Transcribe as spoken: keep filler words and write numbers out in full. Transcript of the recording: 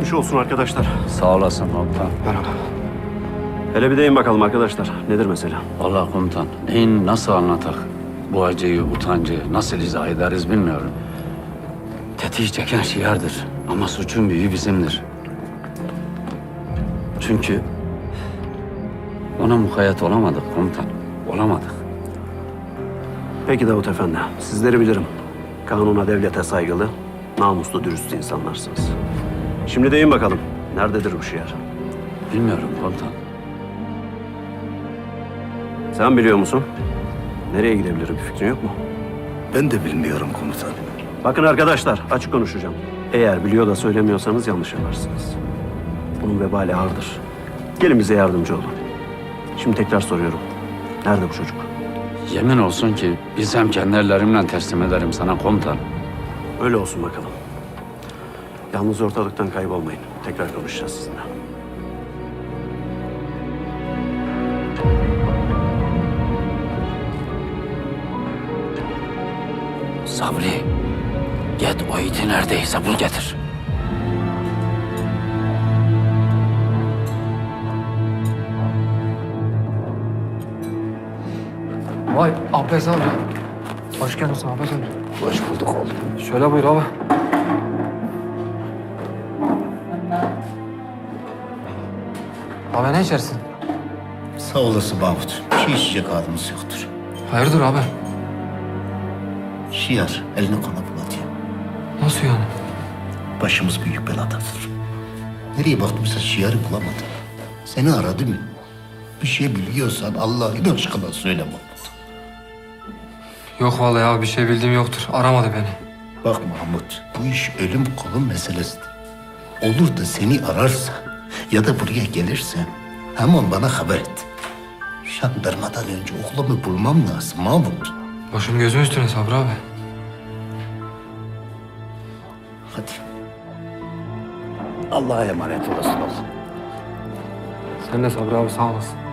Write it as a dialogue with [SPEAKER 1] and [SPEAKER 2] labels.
[SPEAKER 1] Geçmiş olsun arkadaşlar.
[SPEAKER 2] Sağ olasın komutan.
[SPEAKER 1] Merhaba. Hele bir deyin bakalım arkadaşlar. Nedir mesele?
[SPEAKER 2] Vallahi komutan, neyin nasıl anlatak? Bu acıyı, utancı nasıl izah ederiz bilmiyorum. Tetiği çeken şiardır ama suçun büyüğü bizimdir. Çünkü ona mukayyet olamadık komutan, olamadık.
[SPEAKER 1] Peki Davut Efendi. Sizleri bilirim. Kanuna, devlete saygılı, namuslu, dürüst insanlarsınız. Şimdi deyin bakalım. Nerededir bu şiar?
[SPEAKER 2] Bilmiyorum komutan.
[SPEAKER 1] Sen biliyor musun? Nereye gidebilir, bir fikrin yok mu?
[SPEAKER 3] Ben de bilmiyorum komutan.
[SPEAKER 1] Bakın arkadaşlar, açık konuşacağım. Eğer biliyor da söylemiyorsanız yanlış yaparsınız. Bunun vebali ağırdır. Gelin bize yardımcı olun. Şimdi tekrar soruyorum. Nerede bu çocuk?
[SPEAKER 2] Yemin olsun ki bilsem kendi ellerimle teslim ederim sana komutan.
[SPEAKER 1] Öyle olsun bakalım. Yalnız ortalıktan kaybolmayın. Tekrar konuşacağız sizinle.
[SPEAKER 2] Sabri, git o iti neredeyse bul getir.
[SPEAKER 4] Vay Abbas abi. Hoş geldin Abbas abi.
[SPEAKER 3] Hoş bulduk oğlum.
[SPEAKER 4] Şöyle buyur abi. Abi ne içersin?
[SPEAKER 3] Sağ olasın Mahmut. Bir şey içecek halimiz yoktur.
[SPEAKER 4] Hayırdır abi?
[SPEAKER 3] Şiar eline kana bulatıyor.
[SPEAKER 4] Nasıl yani?
[SPEAKER 3] Başımız büyük beladadır. Nereye baktımsa şiarı bulamadım. Seni aradım. Bir şey biliyorsan Allah'ın aşkına söyle Mahmut.
[SPEAKER 4] Yok vallahi abi bir şey bildiğim yoktur. Aramadı beni.
[SPEAKER 3] Bak Mahmut, bu iş ölüm kolum meselesidir. Olur da seni ararsa ya da buraya gelirse hemen bana haber et. Jandarmadan önce oğlumu bulmam lazım Mahmut.
[SPEAKER 4] Başım gözüm üstüne Sabri abi.
[SPEAKER 3] Hadi. Allah'a emanet olasın oğlum.
[SPEAKER 4] Sen de Sabri abi sağ olasın.